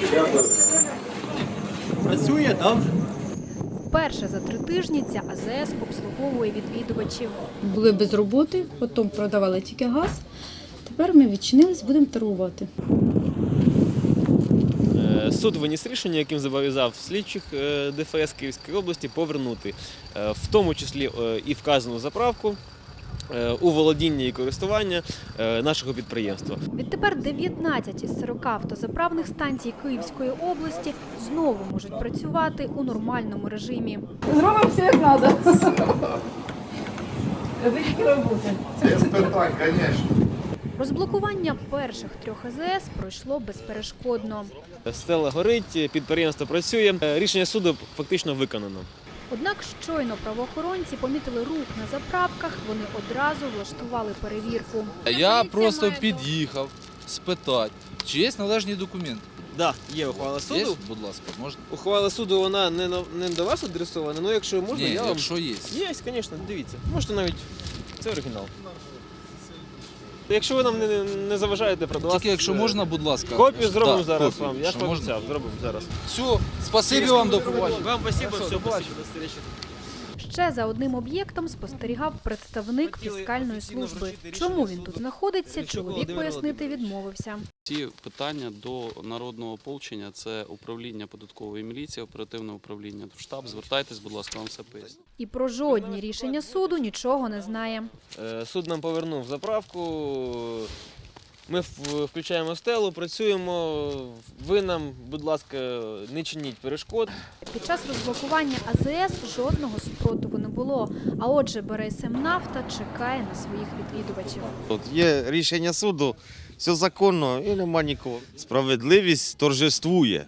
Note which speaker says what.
Speaker 1: Працює, так?
Speaker 2: Вперше за 3 тижні ця АЗС обслуговує відвідувачів.
Speaker 3: Були без роботи, потім продавали тільки газ. Тепер ми відчинились, будемо торгувати.
Speaker 4: Суд виніс рішення, яким зобов'язав слідчих ДФС Київської області повернути, в тому числі і вказану заправку, у володіння і користування нашого підприємства.
Speaker 2: Відтепер 19 із 40 автозаправних станцій Київської області знову можуть працювати у нормальному режимі.
Speaker 3: Зробимо все як треба. Це тільки роботи.
Speaker 5: Без питань, звісно.
Speaker 2: Розблокування перших 3 АЗС пройшло безперешкодно.
Speaker 4: Стела горить, підприємство працює, рішення суду фактично виконано.
Speaker 2: Однак щойно правоохоронці помітили рух на заправках, вони одразу влаштували перевірку.
Speaker 6: Я просто під'їхав спитати, чи є належні документи.
Speaker 4: Так, є ухвала
Speaker 6: Є,
Speaker 4: суду.
Speaker 6: будь ласка, можна?
Speaker 4: Ухвала суду, вона не до вас адресована, але якщо можна,
Speaker 6: Ні,
Speaker 4: я вам...
Speaker 6: якщо є.
Speaker 4: Є, звісно, дивіться. Можете навіть, це оригінал. Якщо ви нам не заважаєте продавати...
Speaker 6: Тільки якщо можна, будь ласка.
Speaker 4: Копію зробимо
Speaker 6: Так,
Speaker 4: зараз
Speaker 6: копію.
Speaker 4: вам, я ж
Speaker 6: Якщо можна.
Speaker 4: пообіцяв, зробимо зараз.
Speaker 6: Все, спасибі вам, до побачення.
Speaker 4: Вам спасибо, все, спасибо, до зустрічі.
Speaker 2: Ще за одним об'єктом спостерігав представник фіскальної служби. Чому він тут знаходиться, чоловік пояснити відмовився.
Speaker 7: Ці питання до народного ополчення – це управління податкової міліції, оперативне управління в штаб. Звертайтесь, будь ласка, вам все поясню.
Speaker 2: І про жодні рішення суду нічого не знає.
Speaker 4: Суд нам повернув заправку, ми включаємо стелу, працюємо, ви нам, будь ласка, не чиніть перешкод.
Speaker 2: Під час розблокування АЗС жодного супротиву не було. А отже, «Бересемнафта» чекає на своїх відвідувачів.
Speaker 8: От є рішення суду, все законно і нема нікого. Справедливість торжествує.